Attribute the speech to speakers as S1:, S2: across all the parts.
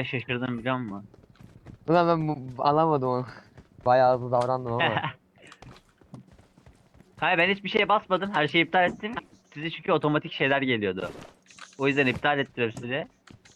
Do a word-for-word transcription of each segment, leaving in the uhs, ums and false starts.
S1: bile şaşırdım biliyor musun?
S2: Ulan ben bu, anlamadım onu. Bayağı hızlı davrandım ama.
S1: Hayır ben hiçbir şeye basmadım. Her şeyi iptal ettim. Size çünkü otomatik şeyler geliyordu. O yüzden iptal ettim size.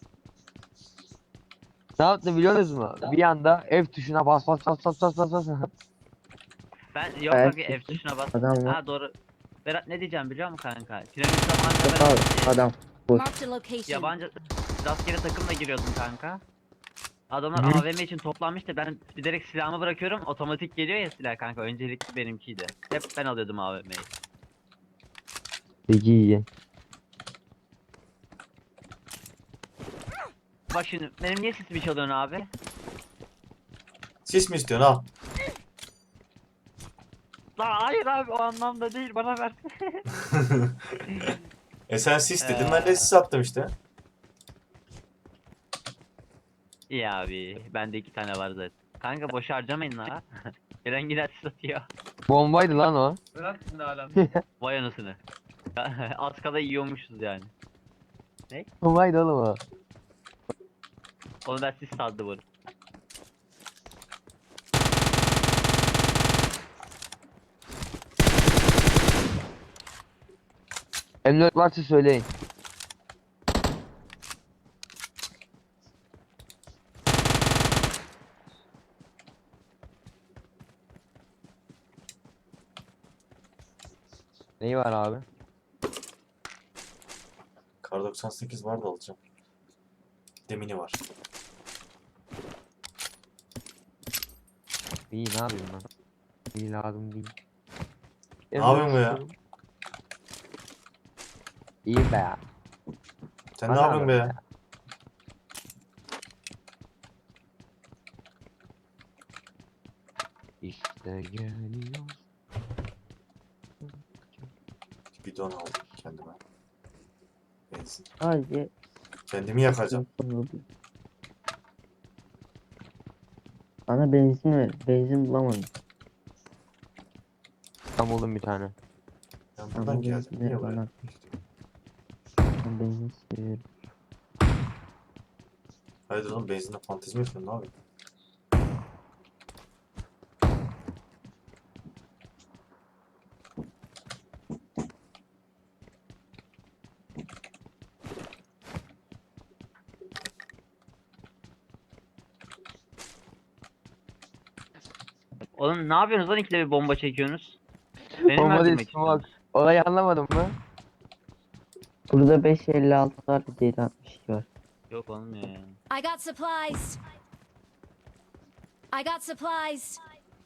S2: Ne yaptı biliyor musunuz mu? Bir anda F tuşuna bas bas bas bas bas bas bas.
S1: Ben yok
S3: Ayak
S1: kanka F
S3: sesi.
S1: tuşuna bas.
S3: Adam var.
S1: Ha doğru. Berat ne diyeceğim biliyor musun kanka? Piramit zamanında
S3: Yok
S1: ben
S3: abi adam. Boş.
S4: Marked a location.
S1: yabancı rastgele takımla giriyordum kanka. Adamlar
S2: Hı hı.
S1: A V M için toplanmıştı. Ben direkt silahımı bırakıyorum. Otomatik geliyor ya silah kanka. Öncelikli benimkiydi. Hep ben alıyordum A V M'yi.
S2: Peki iyi.
S1: Bak şimdi benim niye sesimi çalıyorsun abi?
S5: Sis mi istiyorsun al.
S1: Lan hayır abi o anlamda değil bana ver.
S5: E sen sis dedin ben de sis attım işte.
S1: İyi abi. Bende iki tane var zaten. Kanka boş harcamayın la. Gelen gider satıyor.
S2: Bombaydı lan o.
S1: Bırak şimdi hala. Vay anasını. Az kala yiyormuşuz yani.
S2: Bombaydı oğlum o.
S1: Onu ben siz sandım bunu.
S2: M dört varsa söyleyin. Neyi var abi?
S5: Kar doksan sekiz var da alacağım. Demini var.
S2: İyi ne yapayım ben? İyi lazım değil.
S5: Ne yapıyorsun be ya?
S2: İyi be ya.
S5: Sen
S2: Bana
S5: ne yapıyorsun be
S2: bak
S5: ya?
S2: ya. İşte geliyor.
S5: Bidon aldım kendime. Benzin.
S3: Sadece
S5: Kendimi yakacağım.
S3: bana benzin ver. Benzin bulamadım.
S2: Tam buldum bir tane.
S5: Ben
S3: Tamam,
S5: buradan
S3: bu
S5: geldim.
S3: benzin
S5: Niye
S3: ver
S5: buraya?
S3: bana. Ben benzin seviyorum.
S5: Haydi oğlum benzinle fantezi mi yapıyorsun abi?
S1: Oğlum ne yapıyorsunuz lan ikide bir bomba çekiyorsunuz? Beni mi
S2: Bomba değil
S1: öldürmek
S2: smoke.
S1: istiyorsunuz?
S2: Olayı anlamadın mı?
S3: Burada beş elli altı var. Bir de yedi altmış iki var.
S1: Yok olmuyor yani.
S4: I got supplies. I got supplies.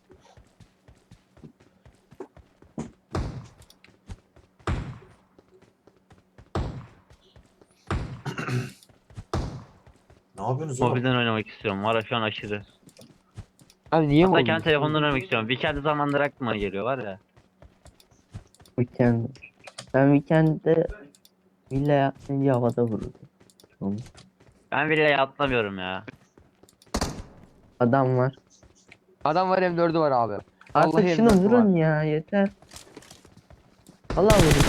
S5: Ne yapıyorsunuz oğlum?
S1: Mobilden oynamak istiyorum. Var ya şu an aşırı.
S2: Abi niye mi
S1: Hatta
S2: oldu?
S1: kendi telefondan oynamak istiyorum. Weekend zamanları aklıma geliyor var ya.
S3: Weekend. Ben weekend'de villa yapınca havada vururdum. Tamam.
S1: Ben bile atlamıyorum ya.
S3: Adam var.
S2: Adam var M dördü var abi.
S3: Artık
S2: Vallahi
S3: şunu
S2: M dördü
S3: vurun
S2: var.
S3: ya yeter. Allah vurun.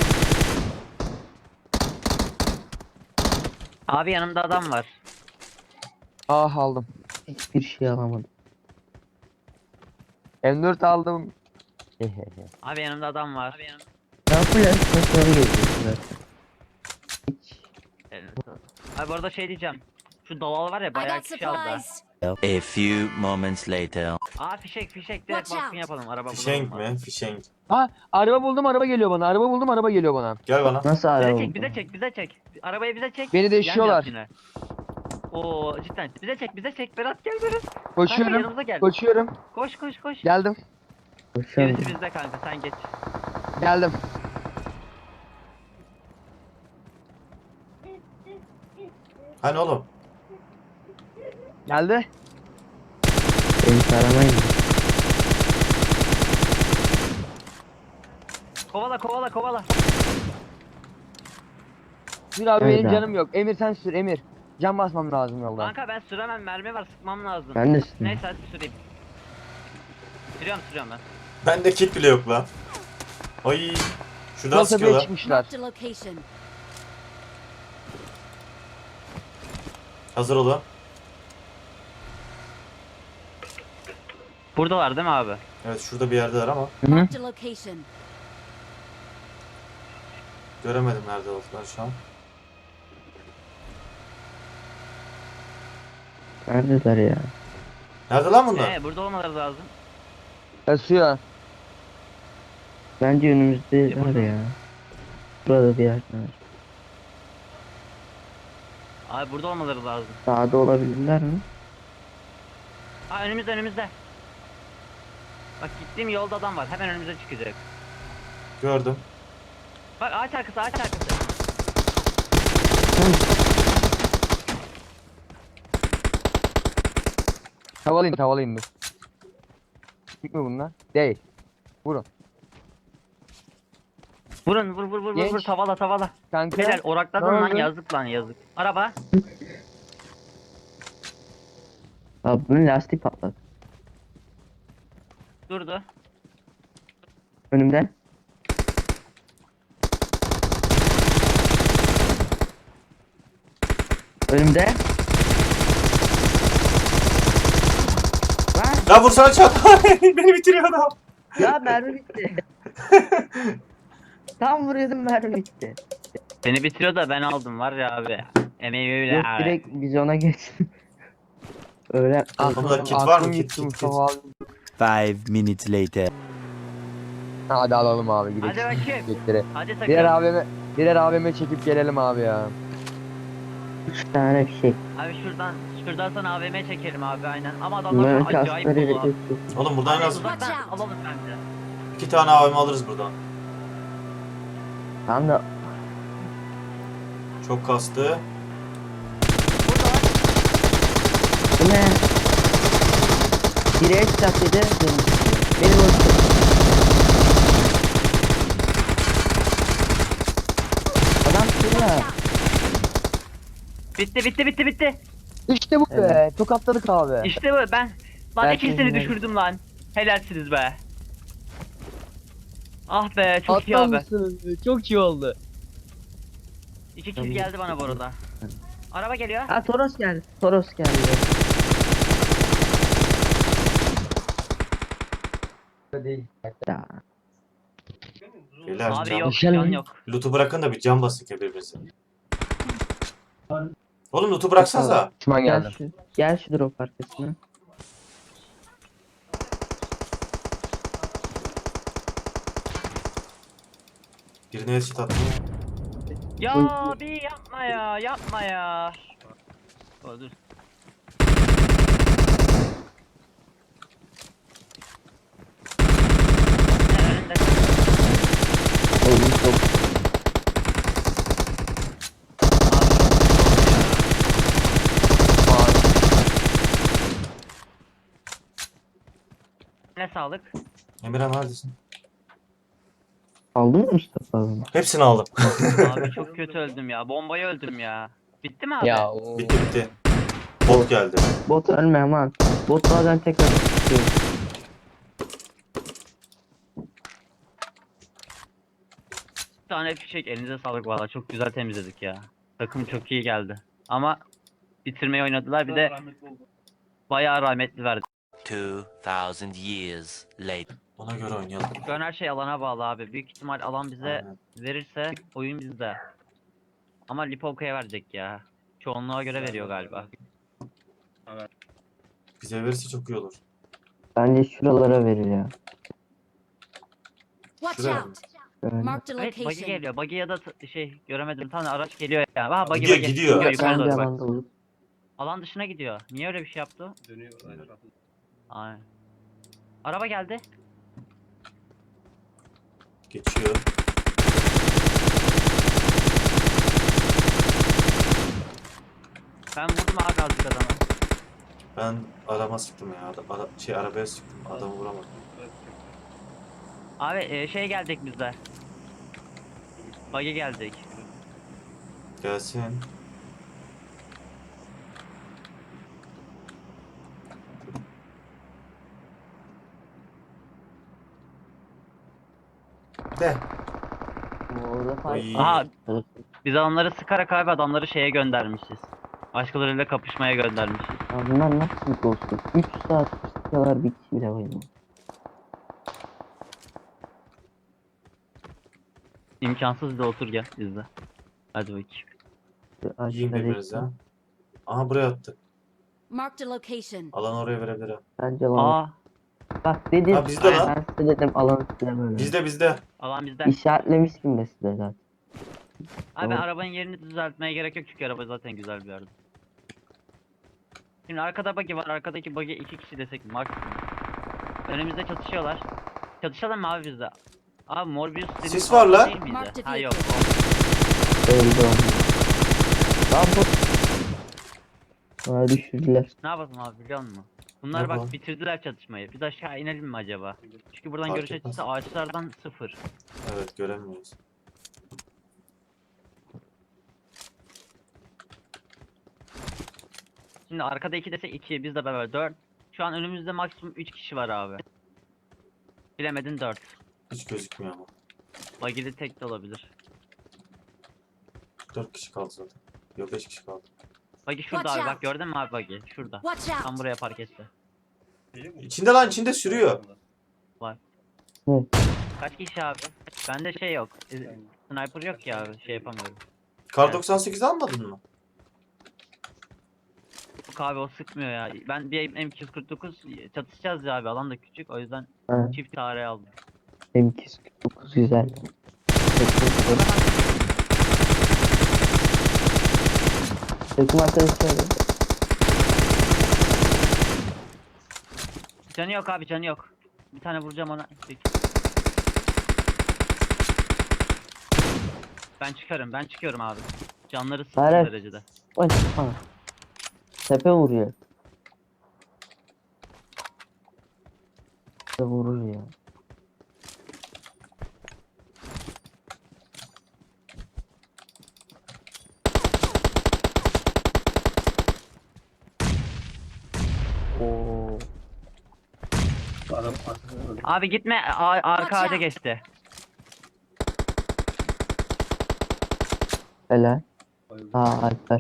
S1: Abi yanımda adam var.
S2: Ah aldım.
S3: Hiçbir şey alamadım.
S2: M dört aldım.
S1: Abi yanımda adam var. Abi yanımda.
S3: Ben full esnafları geziyorum zaten. Hiç.
S1: Abi bu arada şey diyeceğim. Şu dalal var ya
S4: I
S1: bayağı
S4: got
S1: kişi aldı.
S4: supplies.
S6: A few moments later.
S1: Aa fişek fişek direkt
S4: Watch
S1: baskın
S4: out.
S1: yapalım. Araba
S5: Fişenk
S1: bulalım.
S5: mi? Fişenk.
S2: Ha araba buldum araba geliyor bana. Araba buldum araba geliyor bana.
S5: Gel bana.
S3: Nasıl
S1: Bize
S3: araba
S1: çek
S3: bu?
S1: bize çek bize çek. Arabayı bize çek.
S2: Beni deşiyorlar.
S1: Yan yap yine. Oo cidden. Bize çek bize çek. Berat gel Berat. Kanka
S2: Koşuyorum.
S1: yanımıza gel.
S2: Koşuyorum.
S1: Koş koş koş.
S2: Geldim.
S3: Koşuyorum.
S1: Gerisi bizde kanka sen geç.
S2: Geldim.
S5: Hani oğlum?
S2: Geldi.
S3: Beni taramayın.
S1: Kovala kovala kovala.
S2: Sür abi
S3: Evet
S2: benim
S3: abi.
S2: canım yok. Emir sen sür Emir. Can basmam lazım yolda.
S1: Kanka ben süremem mermi var sıkmam lazım.
S3: Ben de sürüyorum.
S1: Neyse hadi süreyim. Sürüyorum sürüyorum ben.
S5: Bende kit bile yok lan. Ay. Şuradan
S2: Yol tepeye
S5: sıkıyorlar.
S2: çıkmışlar.
S4: Marked a location.
S5: Hazır olun.
S1: Buradalar değil mi abi?
S5: Evet şurada bir yerdeler ama
S4: Marked a location.
S5: göremedim nerede olduklarını şu an.
S3: Neredeler ya?
S5: Nerede lan bunlar?
S1: Ee, burada olmaları lazım.
S2: Kasıyor.
S3: Bence önümüzde
S1: Ya
S3: var
S1: burada-
S3: ya. Burada bir yerde var.
S1: Abi burada olmaları lazım.
S3: Sağda olabilirler mi?
S1: Ha önümüzde önümüzde. Bak gittiğim yolda adam var. Hemen önümüze çıkacak.
S5: Gördüm.
S1: Bak ağaç arkası ağaç arkası.
S2: Tavalayın tavalayın dur. Çık mı bunlar? Değil. Vurun.
S1: Vurun vur vur vur vur
S2: Genç.
S1: vur tavala tavala.
S2: Kanka.
S1: Helal orakladın
S2: Ne
S1: lan
S2: oldu?
S1: yazık lan yazık. Araba.
S3: Abi bunun lastiği patladı.
S1: Durdu.
S3: Önümde. Önümde. Lan
S5: Ya vursana çat. Beni bitiriyor adam.
S3: ya mermi bitti. Tam vuruyordum mermi bitti.
S1: Seni bitiriyor da ben aldım var ya abi. Emeği öyle
S3: Yok
S1: abi.
S3: direkt vizyona geçtim. Öyle
S5: Adamda kit var mı?
S2: Aklım
S5: Kit,
S2: gitti
S5: kit,
S2: Mustafa abi.
S6: Five minutes later.
S2: Hadi alalım abi gidelim.
S1: Hadi bakayım.
S2: Gitleri.
S1: Hadi sakın.
S2: Birer A V M, birer A V M çekip gelelim abi ya.
S3: üç tane bir şey.
S1: Abi şuradan şuradan sana A V M çekelim abi aynen. Ama adamlar
S3: Bunların
S1: acayip
S3: kaskları
S1: dolu.
S3: yok.
S5: Oğlum buradan en az
S1: Uzaktan alalım bence.
S5: iki tane A V M alırız buradan.
S3: Tam da
S5: Çok kastı.
S3: bu ne? Biri headshot dedi. Benim olsun. Adam şurada.
S1: Bitti bitti bitti bitti.
S2: İşte bu be.
S3: Evet.
S2: Tokatladık abi.
S1: İşte bu ben. Lan
S3: Ben
S1: ikisini
S3: bilmiyorum.
S1: düşürdüm lan. Helalsiniz be. Ah be çok iyi
S2: Atlar
S1: abi.
S2: mısınız? Çok iyi oldu.
S1: İki kill geldi bana bu arada. Araba geliyor.
S3: Ha Toros geldi. Toros geldi.
S2: Değil.
S3: Ya.
S5: Beyler
S1: Abi
S5: can.
S1: yok
S2: Düşelim
S1: can
S2: mi?
S1: yok.
S5: Loot'u bırakın da bir can basın ki birbirinize. Oğlum loot'u bıraksanıza.
S2: Düşman
S3: Gel
S2: geldi.
S3: şu, gel şu drop arkasına.
S5: Birine headshot attım.
S1: Ya bir yapma ya yapma ya. Oh, dur. Önünde.
S3: Oğlum çok
S1: Ne sağlık.
S5: Emirhan neredesin?
S3: aldın mı Mustafa abi?
S5: Hepsini aldım.
S1: Abi çok kötü öldüm ya. Bombayı öldüm ya. Bitti mi abi?
S2: Ya o.
S5: Bitti bitti. Bot geldi.
S3: Bot ölme aman. Bot bazen tekrar çıkıyor.
S1: Bir tane fişek elinize sağlık valla. Çok güzel temizledik ya. Takım çok iyi geldi. Ama bitirmeyi oynadılar. Bir de bayağı rahmetli verdi.
S6: Two thousand years later.
S5: Ona göre oynayalım.
S1: Şu an her şey alana bağlı abi. Büyük ihtimal alan bize
S5: Aynen.
S1: verirse oyun bizde. Ama Lipovka'ya verecek ya. Çoğunluğa göre veriyor galiba.
S5: Bize verirse çok iyi olur.
S3: Bence şuralara verir ya.
S4: Watch
S5: Şuraya.
S4: out.
S3: Böyle.
S4: Marked a
S1: Evet buggy
S4: location.
S1: geliyor. Buggy ya da t- şey göremedim. Tane araç geliyor ya. Ha buggy
S5: Gidiyor,
S1: buggy.
S5: gidiyor.
S1: yukarı
S3: Bence
S1: doğru bak.
S3: alanda olur.
S1: Alan dışına gidiyor. Niye öyle bir şey yaptı? Dönüyor aynen. Aynen. Araba geldi.
S5: Geçiyor.
S1: Ben vurdum ağa kaldık adamı.
S5: Ben adama sıktım ya. Adam, ara- şey arabaya sıktım. Adamı vuramadım.
S1: Abi e, şey geldik bizde. Buggy geldik.
S5: Gelsin. De.
S3: Orada
S5: Oy.
S3: fight.
S1: Aha biz onları sıkarak abi adamları şeye göndermişiz. Başkalarıyla kapışmaya göndermişiz.
S3: Ya bunlar nasıl bir ghost'u? üç saat Sıkıyorlar bir kişi bile bayılmıyor.
S1: İmkansız da otur gel bizde. Hadi bakayım.
S5: Yiyin
S3: Aşağıda
S5: birbirinizi
S3: bekle.
S5: ha. Aha buraya attı.
S4: Marked a location.
S5: Alan oraya verebilir ha.
S3: Bence lan.
S1: Aa,
S3: Bak dedim.
S5: Ha bizde lan.
S3: Ben size dedim alanı size böyle.
S5: Bizde bizde.
S1: alan bizde.
S3: İşaretlemiştim de size zaten.
S1: Abi
S3: Tamam.
S1: arabanın yerini düzeltmeye gerek yok çünkü araba zaten güzel bir yerde. Şimdi arkada buggy var. Arkadaki buggy iki kişi desek maksimum. Önümüzde çatışıyorlar. Çatışalım mı abi bizde? Abi Morbius dediğin
S5: Sis var
S1: orada
S5: lan.
S1: değil miydi?
S4: Mark the
S1: Ha yok.
S3: Öldü onu. Lan bu. Bana düşürdüler.
S1: Ne yapalım abi biliyor musun? Bunlar
S5: Ne
S1: bak
S5: yapalım?
S1: bitirdiler çatışmayı. Biz aşağı inelim mi acaba? Çünkü buradan
S5: Fark
S1: görüş
S5: etmez.
S1: açısı ağaçlardan sıfır.
S5: Evet göremiyoruz.
S1: Şimdi arkada iki desek iki, biz de beraber dört. Şu an önümüzde maksimum üç kişi var abi. Bilemedin dört.
S5: Hiç gözükmüyor ama.
S1: Buggy'li tek de olabilir.
S5: Dört kişi kaldı zaten. Yok beş kişi kaldı.
S1: Buggy şurada
S4: Watch
S1: abi bak
S4: out.
S1: gördün mü abi buggy? Şurada.
S4: Watch
S1: Tam
S4: out.
S1: buraya park etti.
S5: İçinde lan içinde sürüyor.
S3: Hı.
S1: Kaç kişi abi? Bende şey yok. e, Sniper yok ya abi şey yapamıyorum.
S5: Kar
S1: Evet.
S5: doksan sekiz almadın mı?
S1: Yok abi o sıkmıyor ya. Ben bir M iki yüz kırk dokuz çatışacağız ya abi alan da küçük o yüzden
S3: Ha.
S1: çift tarihe aldım.
S3: M iki yüz kırk dokuz güzel. Takım arkadaşı öyle.
S1: Canı yok abi canı yok. Bir tane vuracağım ona. Ben çıkarım ben çıkıyorum abi. Canları sıfır
S3: Hayır.
S1: derecede.
S3: Ay, ha. Tepe vuruyor. Tepe vurur ya. Oo.
S1: Abi gitme a- arka
S4: Watch
S1: ağaca
S4: out.
S1: geçti.
S3: Helal. Aa Alper.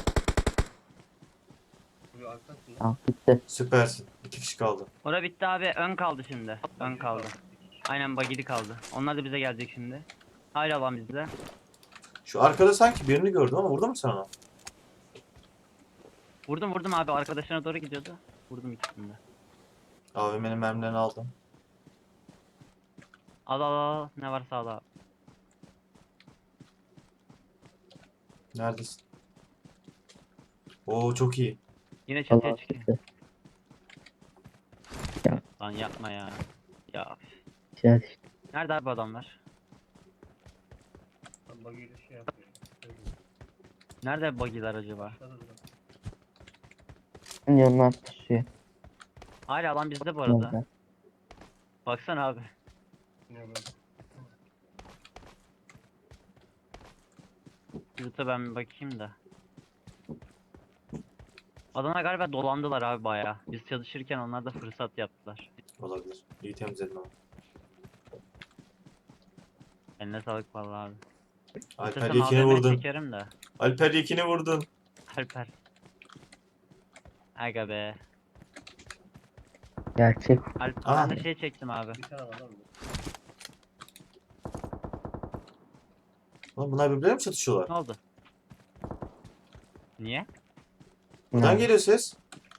S3: Tamam bitti.
S5: Süpersin. İki kişi kaldı.
S1: Ora bitti abi ön kaldı şimdi. Ön kaldı. Aynen bagili kaldı. Onlar da bize gelecek şimdi. Hala alan bizde.
S5: Şu arkada sanki birini gördüm ama vurdun mu sen ona?
S1: Vurdum vurdum abi arkadaşına doğru gidiyordu. Vurdum ikisini de.
S5: A V M'nin mermilerini aldım.
S1: Al al al ne varsa al abi.
S5: Neredesin? Oo çok iyi.
S1: Yine çatıya
S3: Allah
S1: çıkıyor.
S3: bitti.
S1: Lan yapma ya. Ya.
S3: Güzel işte.
S1: Nerede abi adamlar? Nerede bagiler acaba?
S3: Yanına pusuyor.
S1: Hala alan bizde bu arada.
S3: Orada.
S1: Baksana abi. Yurtta ben bir bakayım da. Adamlar galiba dolandılar abi bayağı. Biz çalışırken onlar da fırsat yaptılar.
S5: Olabilir. İyi temizledin ama.
S1: Eline sağlık vallahi abi.
S5: Alper
S1: İstesem
S5: Yekin'i
S1: A V M
S5: vurdun.
S1: çekerim de.
S5: Alper Yekin'i vurdun.
S1: Alper. Aga be.
S3: Gerçek.
S1: Alper
S5: Aa.
S1: ben de şey çektim abi.
S5: Lan bunlar birbirleriyle mi çatışıyorlar?
S1: Ne oldu? Niye?
S5: Buradan
S3: Ne?
S5: geliyor ses.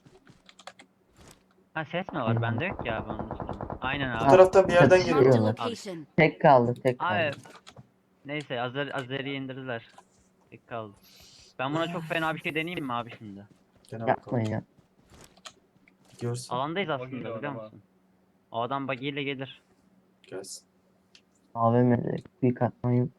S1: Ha ses mi var?
S3: Hmm.
S1: Bende yok ya abi onun için. Aynen
S5: Bu
S1: abi.
S5: taraftan bir yerden
S3: Çatışıyor.
S5: geliyor.
S4: Marked a
S3: Abi.
S4: location.
S3: Tek kaldı tek
S1: Abi.
S3: kaldı.
S1: Neyse Azer Azer'i indirdiler. Tek kaldı. Ben buna çok fena bir şey deneyeyim mi abi şimdi?
S5: Gene bakalım.
S3: Yapmayın ya.
S5: Gidiyorsun.
S1: Alandayız aslında biliyor musun? O adam bagiyle gelir.
S5: Gelsin.
S3: A V M'de büyük atmayın.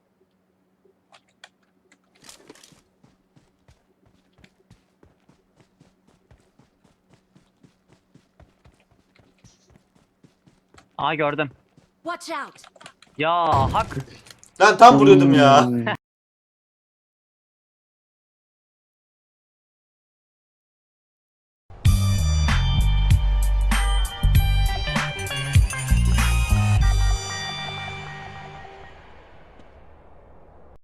S1: Aa gördüm.
S4: Watch out.
S1: Ya hak.
S5: Lan tam vuruyordum ya.
S3: Hmm.